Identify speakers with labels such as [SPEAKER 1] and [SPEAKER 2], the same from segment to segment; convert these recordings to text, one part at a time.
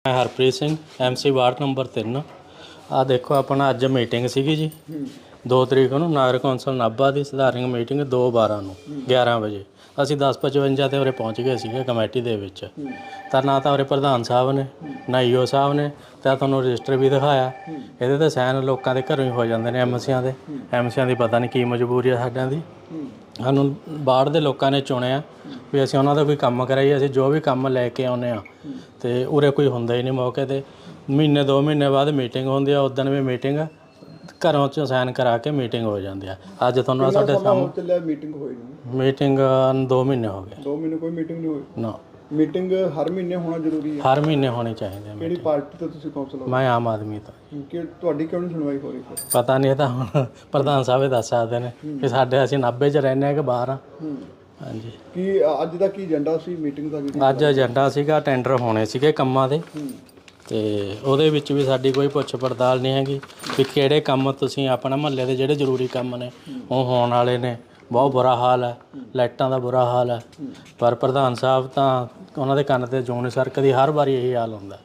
[SPEAKER 1] मैं Harpreet Singh MC ward number 3। आ देखो अपना अज मीटिंग सी जी 2 तरीक को नगर कौंसल नाभा की सधारण मीटिंग 2/12 ਨੂੰ 11 ਵਜੇ ਅਸੀਂ 10:55 ਤੇ ਉਰੇ ਪਹੁੰਚ ਗਏ ਸੀਗੇ ਕਮੇਟੀ ਦੇ ਵਿੱਚ। ਤਾਂ ਨਾ ਤਾਂ ਉਰੇ ਪ੍ਰਧਾਨ ਸਾਹਿਬ ਨੇ ਨਾ ਈਓ ਸਾਹਿਬ ਨੇ ਤਾਂ ਤੁਹਾਨੂੰ ਰਜਿਸਟਰ ਵੀ ਦਿਖਾਇਆ। ਇਹਦੇ ਤੇ ਸਾਈਨ ਲੋਕਾਂ ਦੇ ਘਰੋਂ ਹੀ ਹੋ ਜਾਂਦੇ ਨੇ ਐਮਸੀਆਂ ਦੀ ਪਤਾ ਨਹੀਂ ਕੀ ਮਜਬੂਰੀ ਆ ਸਾਡਿਆਂ ਦੀ। ਸਾਨੂੰ ਬਾਹਰ ਦੇ ਲੋਕਾਂ ਨੇ ਚੁਣਿਆ ਵੀ ਅਸੀਂ ਉਹਨਾਂ ਦਾ ਕੋਈ ਕੰਮ ਕਰਾਈਏ। ਅਸੀਂ ਜੋ ਵੀ ਕੰਮ ਲੈ ਕੇ ਆਉਂਦੇ ਹਾਂ ਤੇ ਉਰੇ ਕੋਈ ਹੁੰਦਾ ਹੀ ਨਹੀਂ ਮੌਕੇ ਤੇ। ਮਹੀਨੇ 2 ਮਹੀਨੇ ਬਾਅਦ ਮੀਟਿੰਗ ਹੁੰਦੀ ਆ, ਉਦੋਂ ਵੀ ਮੀਟਿੰਗ ਘਰੋਂ 'ਚੋਂ ਸਾਈਨ ਕਰਾ ਕੇ ਮੀਟਿੰਗ ਹੋ ਜਾਂਦੀ ਆ। ਅੱਜ ਤੁਹਾਨੂੰ ਸਾਡੇ ਸਾਹਮਣੇ
[SPEAKER 2] ਮੀਟਿੰਗ ਹੋਈ ਨਹੀਂ।
[SPEAKER 1] ਮੀਟਿੰਗ 2 ਮਹੀਨੇ ਹੋ ਗਏ।
[SPEAKER 2] 2 ਮਹੀਨੇ ਕੋਈ ਮੀਟਿੰਗ ਨਹੀਂ ਹੋਈ
[SPEAKER 1] ਨਾ।
[SPEAKER 2] ਮੀਟਿੰਗ ਹਰ ਮਹੀਨੇ ਹੋਣਾ ਜ਼ਰੂਰੀ ਹੈ।
[SPEAKER 1] ਹਰ ਮਹੀਨੇ ਹੋਣੀ ਚਾਹੀਦੀ ਹੈ।
[SPEAKER 2] ਕਿਹੜੀ ਪਾਰਟੀ ਤੋਂ ਤੁਸੀਂ ਕੌਂਸਲ ਹੋ?
[SPEAKER 1] ਮੈਂ ਆਮ ਆਦਮੀ ਤੋਂ।
[SPEAKER 2] ਕਿ ਤੁਹਾਡੀ ਕਿਉਂ ਨਹੀਂ ਸੁਣਵਾਈ ਹੋ ਰਹੀ ਫਿਰ?
[SPEAKER 1] ਪਤਾ ਨਹੀਂ, ਇਹ ਤਾਂ ਹੁਣ ਪ੍ਰਧਾਨ ਸਾਹਿਬ ਦੱਸ ਸਕਦੇ ਨੇ ਕਿ ਸਾਡੇ ਅਸੀਂ ਨਾਭੇ 'ਚ ਰਹਿੰਦੇ ਹਾਂ ਕਿ ਬਾਹਰ ਆ। ਹਾਂਜੀ।
[SPEAKER 2] ਕੀ ਅੱਜ ਦਾ ਕੀ ਏਜੰਡਾ ਸੀ ਮੀਟਿੰਗ ਦਾ?
[SPEAKER 1] ਅੱਜ ਏਜੰਡਾ ਸੀਗਾ ਟੈਂਡਰ ਹੋਣੇ ਸੀਗੇ ਕੰਮਾਂ ਦੇ ਤੇ ਉਹਦੇ ਵਿੱਚ ਵੀ ਸਾਡੀ ਕੋਈ ਪੁੱਛ ਪੜਤਾਲ ਨਹੀਂ ਹੈਗੀ ਵੀ ਕਿਹੜੇ ਕੰਮ ਤੁਸੀਂ ਆਪਣਾ ਮਹੱਲੇ ਦੇ ਜਿਹੜੇ ਜ਼ਰੂਰੀ ਕੰਮ ਨੇ ਉਹ ਹੋਣ ਵਾਲੇ ਨੇ। ਬਹੁਤ ਬੁਰਾ ਹਾਲ ਹੈ, ਲਾਈਟਾਂ ਦਾ ਬੁਰਾ ਹਾਲ ਹੈ। ਪਰ ਪ੍ਰਧਾਨ ਸਾਹਿਬ ਤਾਂ ਉਹਨਾਂ ਦੇ ਕੰਨ ਤੇ ਜੂੰ ਨਹੀਂ ਸਰਕਦੀ। ਹਰ ਵਾਰੀ ਇਹੀ ਹਾਲ ਹੁੰਦਾ।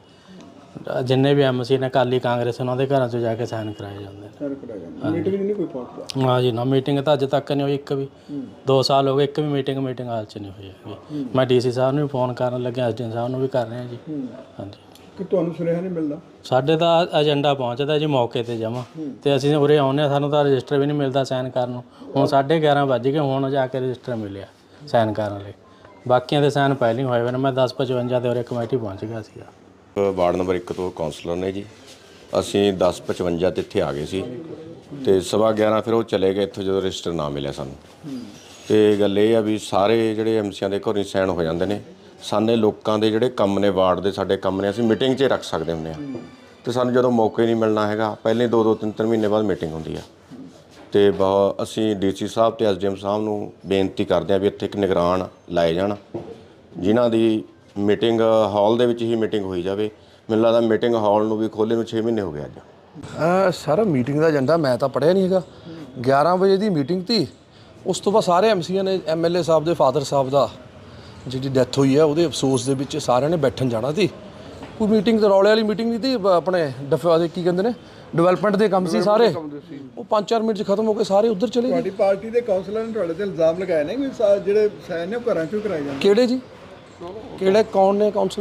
[SPEAKER 1] ਜਿੰਨੇ ਵੀ MC ਨੇ ਅਕਾਲੀ ਕਾਂਗਰਸ ਉਹਨਾਂ ਦੇ ਘਰਾਂ 'ਚ ਜਾ ਕੇ ਸਾਈਨ ਕਰਾਏ ਜਾਂਦੇ ਨੇ।
[SPEAKER 2] ਮੀਟਿੰਗ ਨਹੀਂ ਕੋਈ ਪਹੁੰਚਦਾ?
[SPEAKER 1] ਹਾਂ ਜੀ ਨਾ, ਮੀਟਿੰਗ ਤਾਂ ਅੱਜ ਤੱਕ ਨਹੀਂ ਹੋਈ ਇੱਕ ਵੀ। 2 ਸਾਲ ਹੋ ਗਏ ਇੱਕ ਵੀ ਮੀਟਿੰਗ ਹਾਲ 'ਚ ਨਹੀਂ ਹੋਈ ਹੈਗੀ। ਮੈਂ DC ਸਾਹਿਬ ਨੂੰ ਵੀ ਫੋਨ ਕਰਨ ਲੱਗਿਆ, SDM ਸਾਹਿਬ ਨੂੰ ਵੀ ਕਰ ਰਿਹਾ ਜੀ। ਹਾਂਜੀ।
[SPEAKER 2] ਕਿ ਤੁਹਾਨੂੰ ਸੁਨੇਹਾ ਨਹੀਂ ਮਿਲਦਾ? ਸਾਡੇ
[SPEAKER 1] ਤਾਂ ਏਜੰਡਾ ਪਹੁੰਚਦਾ ਜੀ ਮੌਕੇ ਤੇ ਜਮ੍ਹਾਂ ਤੇ ਅਸੀਂ ਉਰੇ ਆਉਂਦੇ ਹਾਂ, ਸਾਨੂੰ ਤਾਂ ਰਜਿਸਟਰ ਵੀ ਨਹੀਂ ਮਿਲਦਾ ਸਾਈਨ ਕਰਨ ਨੂੰ। ਹੁਣ 11:30 ਵੱਜ ਗਏ, ਹੁਣ ਜਾ ਕੇ ਰਜਿਸਟਰ ਮਿਲਿਆ ਸਾਈਨ ਕਰਨ ਲਈ। ਬਾਕੀਆਂ ਦੇ ਸਾਈਨ ਪਹਿਲਾਂ ਹੀ ਹੋਏ ਹੋਏ ਨੇ। ਮੈਂ 10:55 ਤੇ ਉਰੇ ਕਮੇਟੀ ਪਹੁੰਚ ਗਿਆ ਸੀਗਾ।
[SPEAKER 3] ਵਾਰਡ ਨੰਬਰ 1 ਤੋਂ ਕਾਉਂਸਲਰ ਨੇ ਜੀ। ਅਸੀਂ 10:55 ਤੇ ਇੱਥੇ ਆ ਗਏ ਸੀ ਤੇ 11:15 ਫਿਰ ਉਹ ਚਲੇ ਗਏ ਇੱਥੋਂ ਜਦੋਂ ਰਜਿਸਟਰ ਨਾ ਮਿਲਿਆ ਸਾਨੂੰ। ਤੇ ਗੱਲ ਇਹ ਆ ਵੀ ਸਾਰੇ ਜਿਹੜੇ MCਆਂ ਦੇ ਘਰੋਂ ਸਾਈਨ ਹੋ ਜਾਂਦੇ ਨੇ। ਸਾਡੇ ਲੋਕਾਂ ਦੇ ਜਿਹੜੇ ਕੰਮ ਨੇ ਵਾਰਡ ਦੇ ਸਾਡੇ ਕੰਮ ਨੇ ਅਸੀਂ ਮੀਟਿੰਗ 'ਚ ਰੱਖ ਸਕਦੇ ਹੁੰਦੇ ਹਾਂ ਤੇ ਸਾਨੂੰ ਜਦੋਂ ਮੌਕੇ ਨਹੀਂ ਮਿਲਣਾ ਹੈਗਾ ਪਹਿਲੇ 2-2 3-3 ਮਹੀਨੇ ਬਾਅਦ ਮੀਟਿੰਗ ਹੁੰਦੀ ਆ। ਤੇ ਅਸੀਂ DC ਸਾਹਿਬ ਤੇ SDM ਸਾਹਿਬ ਨੂੰ ਬੇਨਤੀ ਕਰਦੇ ਹਾਂ ਵੀ ਇੱਥੇ ਇੱਕ ਨਿਗਰਾਨ ਲਾਏ ਜਾਣ ਜਿਨ੍ਹਾਂ ਦੀ ਮੀਟਿੰਗ ਹਾਲ ਦੇ ਵਿੱਚ ਹੀ ਮੀਟਿੰਗ ਹੋਈ ਜਾਵੇ। ਮੈਨੂੰ ਲੱਗਦਾ ਮੀਟਿੰਗ ਹਾਲ ਨੂੰ ਵੀ ਖੋਲ੍ਹੇ ਨੂੰ 6 ਮਹੀਨੇ ਹੋ ਗਏ ਅੱਜ।
[SPEAKER 4] ਸਰ ਮੀਟਿੰਗ ਦਾ ਏਜੰਡਾ ਮੈਂ ਤਾਂ ਪੜ੍ਹਿਆ ਨਹੀਂ ਹੈਗਾ। 11 ਵਜੇ ਦੀ ਮੀਟਿੰਗ ਤੀ। ਉਸ ਤੋਂ ਬਾਅਦ ਸਾਰੇ MCਆਂ ਨੇ MLA ਸਾਹਿਬ ਦੇ ਫਾਦਰ ਸਾਹਿਬ ਦਾ ਜਿਹੜੀ ਡੈਥ ਹੋਈ ਹੈ ਉਹਦੇ ਅਫਸੋਸ ਦੇ ਵਿੱਚ ਸਾਰਿਆਂ ਨੇ ਬੈਠਣ ਜਾਣਾ ਸੀ। ਕੋਈ ਮੀਟਿੰਗ ਤਾਂ ਰੌਲੇ ਵਾਲੀ ਮੀਟਿੰਗ ਨਹੀਂ ਤੀ। ਆਪਣੇ ਕੀ ਕਹਿੰਦੇ ਨੇ ਡਿਵੈਲਪਮੈਂਟ ਦੇ ਕੰਮ ਸੀ ਸਾਰੇ। ਉਹ 5-4 ਮਿੰਟ 'ਚ ਖਤਮ ਹੋ ਕੇ ਸਾਰੇ ਉੱਧਰ ਚਲੇ ਗਏ।
[SPEAKER 2] ਤੁਹਾਡੀ ਪਾਰਟੀ ਦੇ ਕਾਉਂਸਲਰ ਨੇ ਤੁਹਾਡੇ ਤੇ ਇਲਜ਼ਾਮ ਲਗਾਏ ਨੇ ਕਿ ਜਿਹੜੇ ਸਾਈਨ ਨੇ ਉਹ ਘਰਾਂ 'ਚੋਂ ਕਰਾਏ ਜਾਂਦੇ।
[SPEAKER 4] ਕਿਹੜੇ ਜੀ? ਕਿਹੜੇ ਕੌਣ ਨੇ ਕਾਉਂਸਲਰ?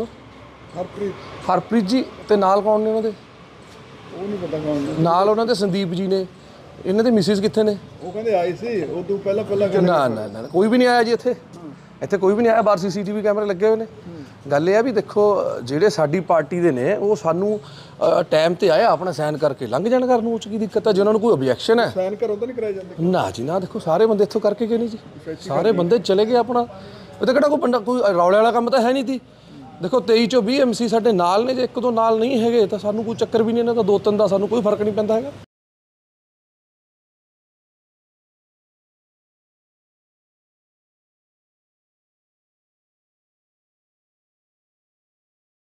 [SPEAKER 4] ਹਰਪ੍ਰੀਤ ਜੀ। ਤੇ ਨਾਲ ਕੌਣ ਨੇ ਉਹਨਾਂ ਦੇ?
[SPEAKER 2] ਉਹ ਨਹੀਂ ਪਤਾ ਕੌਣ ਨੇ।
[SPEAKER 4] ਨਾਲ ਉਹਨਾਂ ਦੇ ਸੰਦੀਪ ਜੀ ਨੇ। ਇਹਨਾਂ ਦੇ ਮਿਸਿਸ ਕਿੱਥੇ ਨੇ?
[SPEAKER 2] ਉਹ ਕਹਿੰਦੇ ਆਏ ਸੀ ਉਹ ਤੋਂ ਪਹਿਲਾਂ
[SPEAKER 4] ਨਾ ਕੋਈ ਵੀ ਨਹੀਂ ਆਇਆ ਜੀ ਇੱਥੇ ਕੋਈ ਵੀ ਨਹੀਂ ਆਇਆ। ਬਾਹਰ CCTV ਕੈਮਰੇ ਲੱਗੇ ਹੋਏ ਨੇ। ਗੱਲ ਇਹ ਆ ਵੀ ਦੇਖੋ ਜਿਹੜੇ ਸਾਡੀ ਪਾਰਟੀ ਦੇ ਨੇ ਉਹ ਸਾਨੂੰ ਟਾਈਮ ਤੇ ਆਇਆ ਆਪਣਾ ਸਾਈਨ ਕਰਕੇ ਲੰਘ ਜਾਣ ਕਰਨ ਨੂੰ। ਉਹ 'ਚ ਕੀ ਦਿੱਕਤ ਹੈ? ਜੇ ਉਹਨਾਂ ਨੂੰ ਕੋਈ ਓਬਜੈਕਸ਼ਨ ਹੈ
[SPEAKER 2] ਸਾਈਨ ਕਰੋ ਤਾਂ ਨਹੀਂ ਕਰਾਏ ਜਾਂਦੇ? ਨਾ
[SPEAKER 4] ਜੀ ਨਾ। ਦੇਖੋ ਸਾਰੇ ਬੰਦੇ ਇੱਥੋਂ ਕਰਕੇ ਗਏ ਨਹੀਂ ਜੀ। ਸਾਰੇ ਬੰਦੇ ਚਲੇ ਗਏ ਆਪਣਾ। ਉਹ ਤਾਂ ਕਿਹੜਾ ਕੋਈ ਰੌਲੇ ਵਾਲਾ ਕੰਮ ਤਾਂ ਹੈ ਨਹੀਂ ਤੀ। ਦੇਖੋ 23 ਚੋਂ 20 MC ਸਾਡੇ ਨਾਲ ਨੇ। ਜੇ 1-2 ਨਾਲ ਨਹੀਂ ਹੈਗੇ ਤਾਂ ਸਾਨੂੰ ਕੋਈ ਚੱਕਰ ਵੀ ਨਹੀਂ। ਇਹਨਾਂ ਦਾ 2-3 ਦਾ ਸਾਨੂੰ ਕੋਈ ਫਰਕ ਨਹੀਂ ਪੈਂਦਾ ਹੈਗਾ।